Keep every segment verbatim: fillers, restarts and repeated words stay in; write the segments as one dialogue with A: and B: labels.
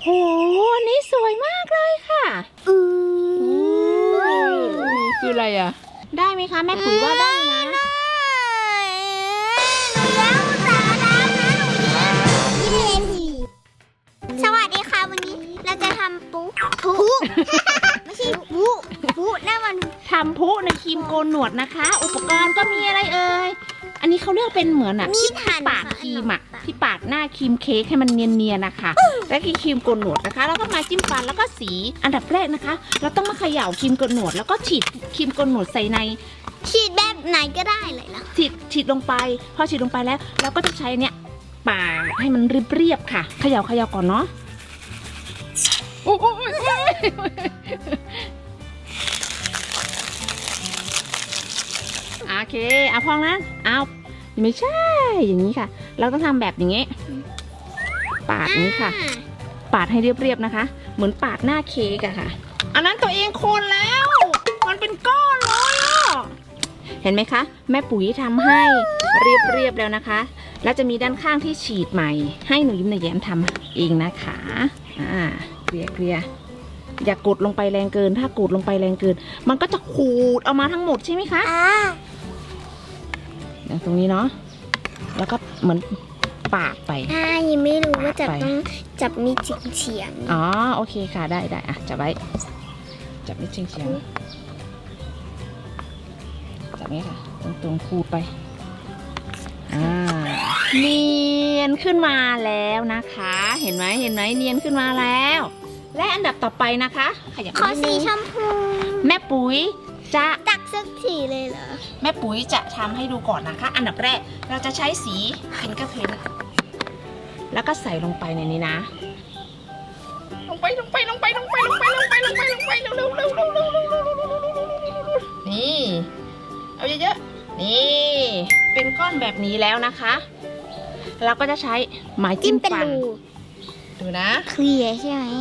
A: อันนี้สวยมากเลยค่ะอือคืออะไรอ่ะได้ไหมคะแม่ปุ๋ยว่าได้นะ
B: สวัสดีค่ะวันนี้เราจะทำปุ๊ปุ๊ไม่ใช่ปุ๊ปุ๊นั่นมัน
A: ทำพุในครีมโกนหนวดนะคะ อุปกรณ์ก็มีอะไรเอ่ยอันนี้เขาเรียกเป็นเหมือนอ่ะที่ปาดครีมอ่ะที่ปาดหน้าครีมเค้กให้มันเนียนๆนะคะแล้วก็ครีมโกนหนวดนะคะแล้วก็มาจิ้มฟันแล้วก็สีอันดับแรกนะคะเราต้องมาเขย่าครีมโกนหนวดแล้วก็ฉีดครีมโกนหนวดใส่ใน
B: ฉีดแบบไหนก็ได้เลยเหรอ
A: ฉีดฉีดลงไปพอฉีดลงไปแล้วเราก็จะใช้เนี่ยปาดให้มันเรียบๆค่ะเขย่าเขย่าก่อนเนาะโอ้โหโอเคเอาพองนั้นเอาไม่ใช่อย่างนี้ค่ะเราต้องทำแบบอย่างนี้ปาดนี้ค่ะปาดให้เรียบๆนะคะเหมือนปาดหน้าเค้กอะค่ะอันนั้นตัวเองโคนแล้วมันเป็นก้อนเลยอ่ะเห็นไหมคะแม่ปุ๋ยทำให้เรียบๆแล้วนะคะแล้วจะมีด้านข้างที่ฉีดใหม่ให้หนูยิ้มหนูแย้มทำเองนะคะอ่าเกลี่ยเกลี่ยอย่ากดลงไปแรงเกินถ้ากดลงไปแรงเกินมันก็จะขูดออกมาทั้งหมดใช่ไหมคะตรงนี้เนาะแล้วก็เหมือนปาดไป
B: อ่ายังไม่รู้ว่าจับต้องจับมีจิงเฉียง
A: อ๋อโอเคค่ะได้ได้อ่ะจับไว้จับมีจิงเฉียงจับนี้ค่ะตรงตรงขูดไปอ่าเนียนขึ้นมาแล้วนะคะเห็นไหมเห็นไหมเนียนขึ้นมาแล้วและอันดับต่อไปนะคะขยับ
B: ขอสีชมพู
A: แม่ปุ๋ยจะ
B: ตักสักสีเลยเหรอ
A: แม่ปุ๋ยจะทำให้ดูก่อนนะคะอันดับแรกเราจะใช้สีพิงค์เพนแล้วก็ใส่ลงไปในนี้นะลงไปลงไปลงไปลงไปลงไปลงไปลงไปลงไปเร็วเร็วเร็วเร็วเร็วเร็วเร็วเร็วเร็วนี่เอาเยอะๆนี่เป็นก้อนแบบนี้แล้วนะคะเราก็จะใช้ไม้จิ้มฟันดูนะ
B: เคลียร์ใช่ไหม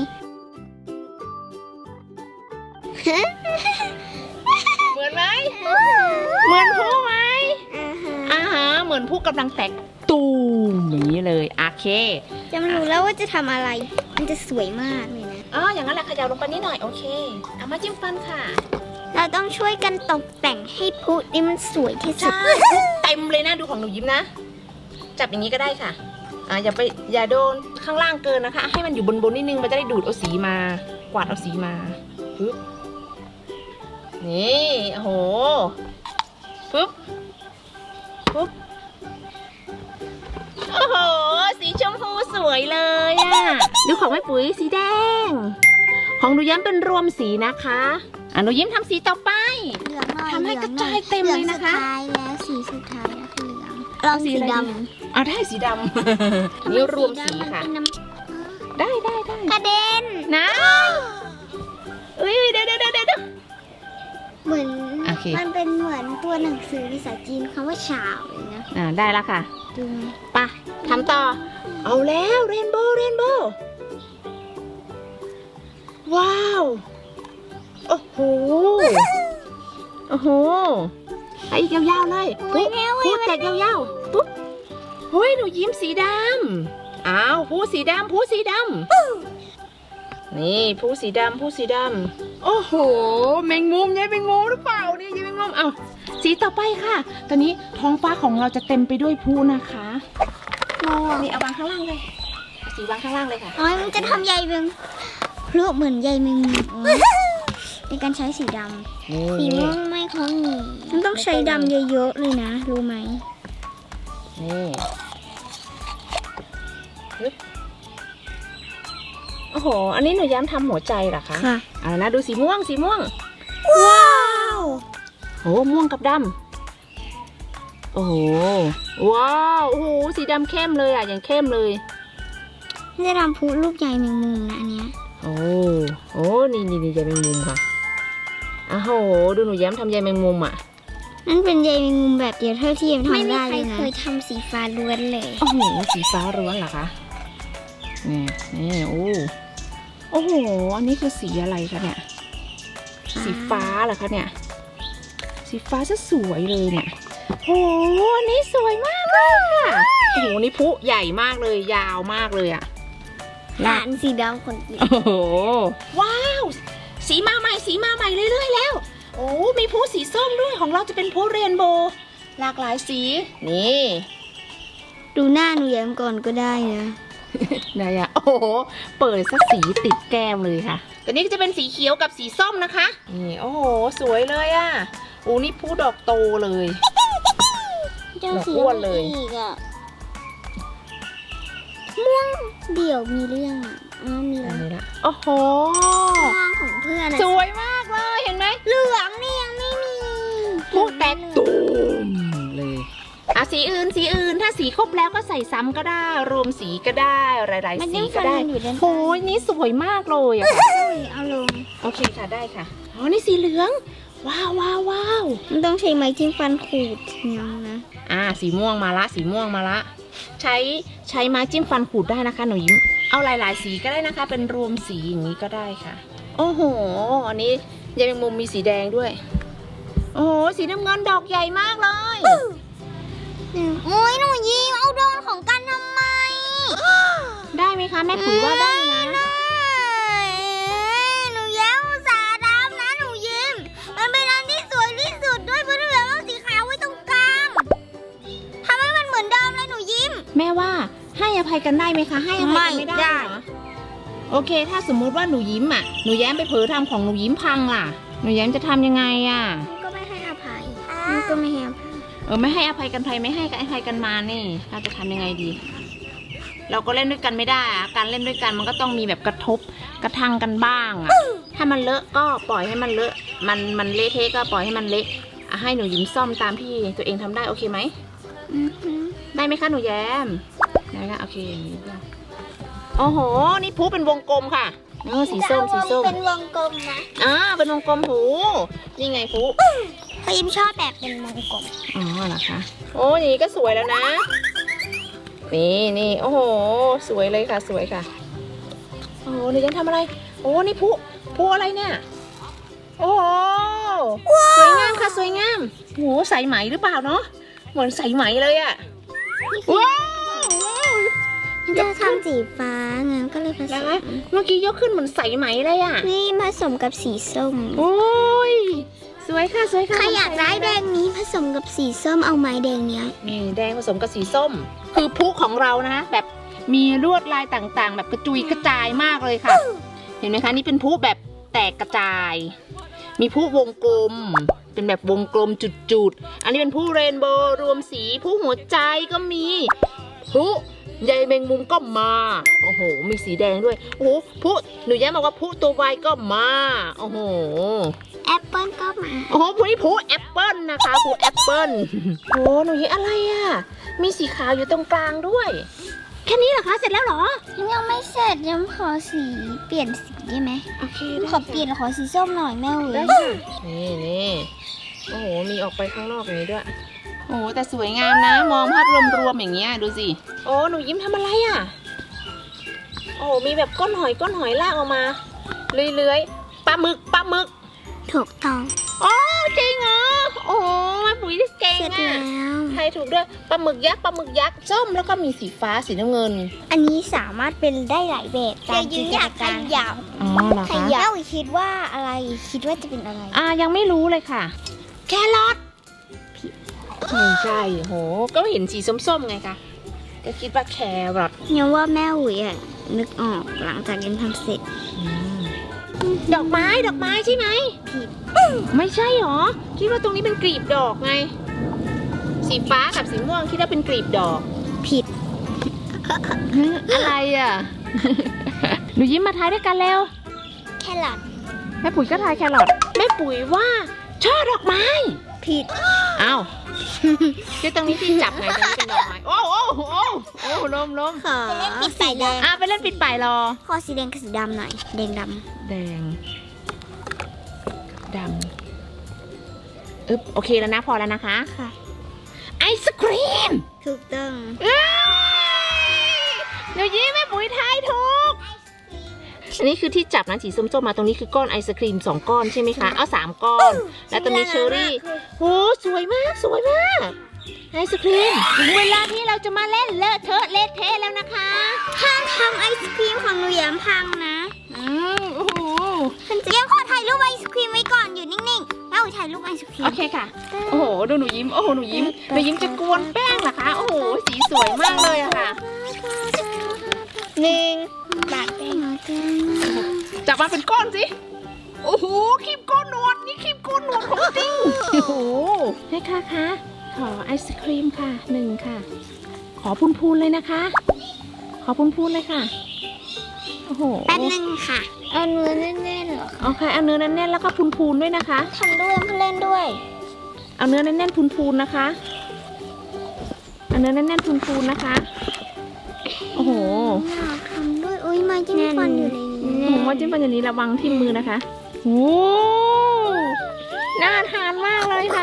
A: เหมือนไหมเหมือนผู้ไหมอ่าฮะเหมือนผู้กำลังแตกตูมอย่างนี้เลยโอเค
B: จะมารู้แล้วว่าจะทำอะไรมันจะสวยมากเลยนะ
A: อ๋ออย่างนั้นแหละขยับลงไปนิดหน่อยโอเคเอามาจิ้มฟันค่ะ
B: เราต้องช่วยกันตกแต่งให้พุนี่มันสวยที่สุด
A: เต็มเลยนะดูของหนูยิ้มนะจับอย่างนี้ก็ได้ค่ะอ่าอย่าไปอย่าโดนข้างล่างเกินนะคะให้มันอยู่บนบนนิดนึงมันจะได้ดูดเอาสีมากวาดเอาสีมาปึ๊บนี่โอ้โหปึ๊บปึ๊บโอ้โหสีชมพูสวยเลยอ่ะดูของแม่ปุ๋ยสีแดงของหนูยิ้มเป็นรวมสีนะคะอ่ะหนูยิ้มทำสีต่อไปทำให้กระจายเต็มเลยนะคะ
B: สุดท้ายแล้วสีสุดท้ายแล้วคือเหลืองเราสีดำ
A: เอาได้สีดำนี่รวมสีค่ะได้ได้ได้
B: กระเด็น
A: นะเอ้ยเดี๋ยวเดี๋ยวเดี๋ยวเดี๋ยว
B: เหมือนมันเป็นเหมือนตัวหนังสือภาษาจีนคำว่าฉาวเลยนะ
A: อ่าได้แล้วค่ะป่ะทำต่อเอาแล้วเรนโบว์เรนโบว์ว้าวโอ้โหโอ้โหไอ้ยาวๆเลยปุ๊บปุ๊บแตกยาวๆปุ๊บเฮ้ยหนูยิ้มสีดำอ้าวผู้สีดำผู้สีดำนี่ผู้สีดำผู้สีดำโอ้โหแมงมุมยัยแมงมุมหรือเปล่านี่ยัยแมงมุมเอาสีต่อไปค่ะตอนนี้ท้องฟ้าของเราจะเต็มไปด้วยผู้นะคะนี่เอาวางข้างล่างเลยสีวางข้างล่างเลยค่ะ
B: อ๋อมันจะทำใยเป็นพลุเหมือนใยแมงมุมในการใช้สีดำสีม่วงไม่คล้องนี่มันต้องใช้ดำเยอะๆเลยนะรู้ไหม
A: นี่โอ้โหอันนี้หนูย้ำทำหัวใจเหรอคะ
B: ค่ะ
A: เอานะดูสีม่วงสีม่วง
B: ว้าว
A: โอ้ม่วงกับดำโอ้โหว้าวโอ้โหสีดำเข้มเลยอ่ะอย่างเข้มเลย
B: จะทำพุลูกใยแมงมุมนะอันเนี้ย
A: โอ้โอ้นี่นี่นี่ใยแมงมุมค่ะอ้าวโหดูหนูย้ำทำใยแมงมุมอ่ะ
B: นั่นเป็นใยแมงมุมแบบเดียวเท่าที่ยังทำได้เลยนะไม่มีใครเคยทำสีฟ้าล้วนเลย
A: โอ้โหสีฟ้าล้วนเหรอคะนี่นี่โอ้โอ้โหอันนี้คือสีอะไรคะเนี่ยสีฟ้าเหรอคะเนี่ยสีฟ้าซะสวยเลยเนี่ยโอ้โหอันนี้สวยมากเลยค่ะโอ้โหนี่พุใหญ่มากเลยยาวมากเลยอ่ะ
B: หานสีดำคนเดียว
A: โอ้โหว้าวสีมาใหม่สีมาใหม่เรื่อยๆแล้วโอ้มีผู้สีส้มด้วยของเราจะเป็นผู้เรนโบว์หลากหลายสีนี่
B: ดูหน้าหนูแย้มก่อนก็ได้นะ
A: นายอะโอ้โหเปิดซะสีติดแก้มเลยค่ะตัวนี้ก็จะเป็นสีเขียวกับสีส้มนะคะนี่โอ้โหสวยเลยอะโอ้นี่ผู้ดอกโตเลย
B: เจ้าสี
A: อ้วนเลย
B: อีกอะม่วงเดี่ยวมีเรื่องอะอ๋อมี
A: อั
B: แล้
A: น
B: ว
A: นี้ละโอ้โห
B: ม่วงของเพื่อนอะ
A: สวยมากเลยเห็นไหม
B: เหลืองนี่ยังไม่มี
A: ผู้แตกตูมเลยอ่ะสีอื่นสีอื่นถ้าสีครบแล้วก็ใส่ซ้ำก็ได้ รวมสีก็ได้หลายๆ
B: มัน
A: สี
B: ยัง
A: ก็
B: ฟัน
A: ได้
B: มันอยู่ด้าน
A: โอ้ยนี่สวยมากเลยอะค่ะ
B: เอาลง
A: โอเคค่ะได้ค่ะอ๋อนี่สีเหลืองว้าวว้าวว้าว
B: มันต้องใช้ไม้จิ้มฟันขูดยังนะ
A: อ่าสีม่วงมาละสีม่วงมาละใช้ใช้ไม้จิ้มฟันขูดได้นะคะหนูยิ้มเอาหลายๆสีก็ได้นะคะ เป็นรวมสีอย่างนี้ก็ได้ค่ะโอ้โหอันนี้ยายแมงมุมมีสีแดงด้วยโอ้โหสีน้ำเงินดอกใหญ่มากเลย
B: โอ้ยหนูยิ้มเอาโดนของกันทำไม
A: ได้ไหมคะแม่ปุ๋ยว่าได้นะ
B: หนูแย้มอุตส่าห์ดำนะหนูยิ้มมันเป็นอันที่สวยที่สุดด้วยเพราะหนูแย้มเอาสีขาวไว้ตรงกลางทำให้มันเหมือนเดิมเลยหนูยิ้ม
A: แม่ว่าให้อภัยกันได้ไหมคะให้อภัยกันไม่ได้
B: ไม่ได้
A: เหรอโอเค ถ้าสมมุติว่าหนูยิ้มอ่ะหนูแย้มไปเผลอทำของหนูยิ้มพังล่ะหนูแย้มจะทำยังไงอ่ะ
B: ก็ไม่ให้อภัยมันก็ไม่ให้อภัย
A: เออไม่ให้อภัยกันภัยไม่ให้อภัยกันมานี่เราจะทำยังไงดี เราก็เล่นด้วยกันไม่ได้อะการเล่นด้วยกันมันก็ต้องมีแบบกระทบกระทั่งกันบ้างอะถ้ามันเลอะก็ปล่อยให้มันเลอะมันมันเละเทะก็ปล่อยให้มันเละอ่ะให้หนูยิ้มซ่อมตามที่ตัวเองทำได้โอเคไหม
B: อือหือ
A: ได้ไหมคะหนูแย้มได้ค่ะโอเคอย่างนี้ได้โอ้โหนี่พูเป็นวงกลมค่ะเออสีส้มสีส้ม
B: เป็นวงกลมนะ
A: อ่าเป็นวงกลมหูนี่ไงพู
B: เพราะยิ้มชอบแบบเป็นวงกลม
A: อ๋อเหรอคะโอ้อย่างนี้ก็สวยแล้วนะนี่นี่โอ้โหสวยเลยค่ะสวยค่ะโอ้โหหนูยังทำอะไรโอ้นี่ผู้ผู้อะไรเนี่ยโอ้โหสวยงามค่ะสวยงามโหใส่ไหมหรือเปล่าเนาะเหมือนใส่ไหมเลยอะว้าวว้าว
B: จะทำสีฟ้าไงก็เลยผส
A: นะ
B: ม
A: เมื่อกี้ยกขึ้นเหมือนใส่ไหมเลยอะ
B: นี่ผสมกับสีส้ม
A: โอ้ยสวยค่ะสวยค่ะ
B: ใครอยากได้แดงนี้ผสมกับสีส้มเอาไม้แดงเนี้ย
A: นี่แดงผสมกับสีส้ม คือผู้ของเรานะคะแบบมีลวดลายต่างๆ แบบกระจุยกระจายมากเลยค่ะ เห็นไหมคะนี่เป็นผู้แบบแตกกระจาย มีผู้วงกลม เป็นแบบวงกลมจุดๆ อันนี้เป็นผู้เรนโบว์รวมสีผู้หัวใจก็มีผู้ใยแมงมุมก็มาโอ้โหมีสีแดงด้วยโอ้โหผู้หนูแย้มบอกว่าผู้ตัววายก็มาโอ้โห
B: แอปเปิ้ลก็มา
A: โอ้โหผู้นี้ผู้แอปเปิลนะคะผู้แอปเปิลโอ้หนูยิ้มอะไรอ่ะมีสีขาวอยู่ตรงกลางด้วยแค่นี้เหรอคะเสร็จแล้วเหรอ
B: ยังไม่เสร็จยังขอสีเปลี่ยนสีได้ไหม
A: โอเค
B: ขอเปลี่ยนขอสีส้มหน่อยแม่เว้
A: ได้
B: ย
A: ค่ะนี่นี่โอ้โหมีออกไปข้างนอกอย่างนี้ด้วยโอ้โหแต่สวยงามนะมองภาพรวมๆอย่างเงี้ยดูสิโอ้หนูยิ้มทำอะไรอ่ะโอ้โหมีแบบก้อนหอยก้อนหอยลากออกมาเลื้อยๆปลาหมึกปลาหมึก
B: ถูกต้อง
A: โอ้จริงเหรอโอ้โหแม่ปุ๋ยเก่ง
B: เสร็จ
A: อ่ะ
B: แล้ว
A: ใครถูกด้วยปลาหมึกยักษ์ปลาหมึกยักษ์ส้มแล้วก็มีสีฟ้าสีน้ำเงิน
B: อันนี้สามารถเป็นได้หลายแบบตามจินตนาการ
A: อ๋อเหรอ
B: ข
A: คะ
B: ยับคิดว่าอะไรคิดว่าจะเป็นอะไร
A: อ่ายังไม่รู้เลยค่ะ แครอทไม่ใช่โหก็เห็นสีส้มๆไงคะก็คิดว่าแครอท
B: ยังว่าแม่อุ๋ยอ่ะนึกออกหลังจากยังทำเสร็จ
A: ดอกไม้ดอกไม้ใช่ไหม
B: ผิด
A: ไม่ใช่หรอคิดว่าตรงนี้เป็นกลีบดอกไง สีฟ้ากับสีม่วงคิดว่าเป็นกลีบดอก
B: ผิด
A: อะไรอ่ะ หนูยิ้มมาทายด้วยกันแล้ว
B: แครอท
A: แม่ปุ๋ยก็ทายแครอทแม่ปุ๋ยว่าช่อดอกไม้
B: ผิด
A: อ้าวคือตรงนี้ที่จับไงตรงนี้เป็นดอกไม้โอ้โอ้โอ้โอ้ล้มล้ม
B: ขอสีแดง
A: อ่ะไปเล่นปิดป่ายรอ
B: ขอสีแดงกับสีดำหน่อยแดงด
A: แดงดำอึ๊บโอเคแล้วนะพอแล้วนะคะ
B: ำค่ะ
A: ไอศครีม
B: ถูกต้อง
A: เอ้ยหนูยิ้มแม่ปุ๋ยทายถูกอันนี้คือที่จับนะสีส้มๆมาตรงนี้คือก้อนไอศครีมสองก้อนใช่ไหมคะเอาสามก้อน แล้วตรงนี้เชอร์รี่โหสวยมากสวยมากไอศครีมถึงเวลาที่เราจะมาเล่นเลอะเทอะเละเทะแล้วนะคะ
B: ห้ามทำไอศครีมของหนูแย้มพังนะ
A: อืมโอ้โห
B: เดี๋ยวขอถ่ายรูปไอศครีมไว้ก่อนอยู่นิ่งๆแล้วถ่ายรูปไอศครีม
A: โอเคค่ะ โอ้โห ดูหนูยิ้ม โอ้โห หนูยิ้ม หนูยิ้มจะกวนแป้งเหรอคะ โอ้โห สีสวยมากเลยอะค่ะหนึ่งบาทแป้งจับมาเป็นก้อนสิ โอ้โหครีมโกนหนวดนี่ครีมโกนหนวดของจริง โอ้โหให้ค่ะคะขอไอศครีมค่ะหนึ่งค่ะ ขอพูนๆเลยนะคะ ขอพูนๆเลยค่ะ โอ้โห
B: แป๊บนึงค่ะเอาเนื้อแน่นๆเหรอ
A: โอเคเอาเนื้อแน่นๆแล้วก็พูนๆด้วยนะคะ
B: ทำด้วยเล่นด้วย
A: เอาเนื้อแน่นๆพูนๆนะคะ เอาเนื้อแน่นๆพูนๆนะคะ โอ้โห
B: อยากทำด้วยอุ้ยไม้จิ้มฟันอยู่ในนี้
A: ผมว่าจิ้มฟันอย่างนี้ระวังที่มือนะคะโอ้น่าทานมากเลยค่ะ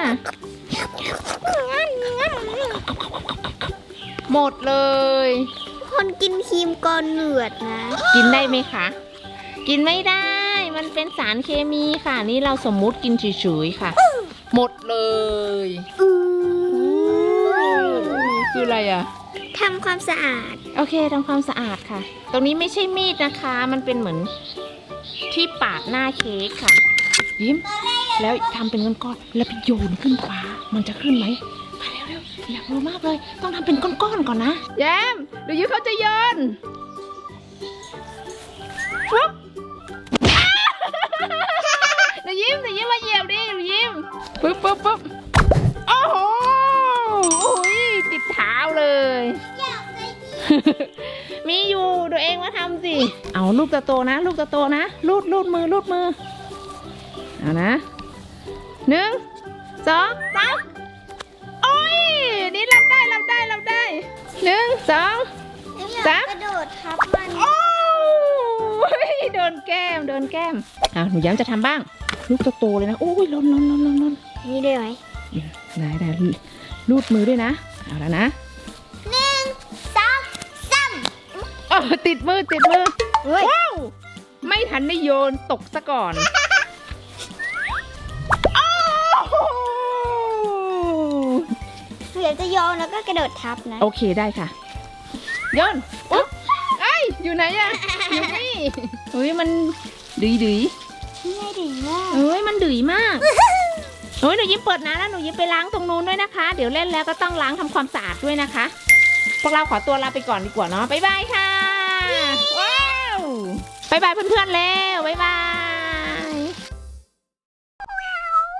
A: หมดเลย
B: คนกินครีมก่อนเหนือดนะ
A: กินได้ไหมคะ กินไม่ได้ มันเป็นสารเคมีค่ะ นี่เราสมมุติกินเฉยๆค่ะ หมดเลย
B: อือ
A: คืออะไรอ่ะ
B: ทำความสะอาด
A: โอเคทำความสะอาดค่ะ ตรงนี้ไม่ใช่มีดนะคะ มันเป็นเหมือนที่ปาดหน้าเค้กค่ะ ยิ้ม แล้วทำเป็นก้อนๆแล้วไปโยนขึ้นฟ้า มันจะขึ้นไหมมาเร็วๆอยากรู้มากเลย ต้องทำเป็นก้อนๆก่อนนะ แย้มเดี๋ยวยิ้มเขาจะโยนปุ๊บเดี๋ยวยิ้มเดี๋ยวยิ้มมาเหยียบดิเดี๋ยวยิ้มปุ๊บปุ๊บปุ๊บโอ้โหโอ้ยติดเท้าเลย มีอยู่ตัวเองมาทำสิ เอาลูกโตๆนะ ลูกโตๆนะลูดลูดมือลูดมือ เอานะหนึ่งสองสามโอ้ยนี่เราได้เราได้เราได้หนึ่งสองสาม
B: กระโดดทับมัน
A: โอ้ยโดนแก้มโดนแก้มเอาหนูย้ำจะทำบ้าง ลูกโตๆเลยนะโอ้ยล้นล้นล้นล้นล้น
B: นี่ได้ไหม
A: ได้ได้ลูดมือด้วยนะเอาแล้วนะ
B: หนึ่งสองสาม
A: โอ้ติดมือติดมือ
B: เฮ้ย
A: ว้าวไม่ทันได้โยนตกซะก่อนโอ้โห
B: เดี๋ยวจะโยนแล้วก็กระโดดทับนะ
A: โอเคได้ค่ะโยนอุ๊บไอ้ยอยู่ไหนอะอยู่นี่เฮ้ยมันดื้อดื้อ
B: ไม่ดีมาก
A: เอ้ยมันดื้อมากเฮ้ยหนูยิ้มเปิดน้ำแล้วหนูยิ้มไปล้างตรงนู้นด้วยนะคะ เดี๋ยวเล่นแล้วก็ต้องล้างทำความสะอาดด้วยนะคะ พวกเราขอตัวลาไปก่อนดีกว่าเนาะบ๊ายบายค่ะว้าวบ๊ายบายเพื่อนๆแล้วบ๊ายบาย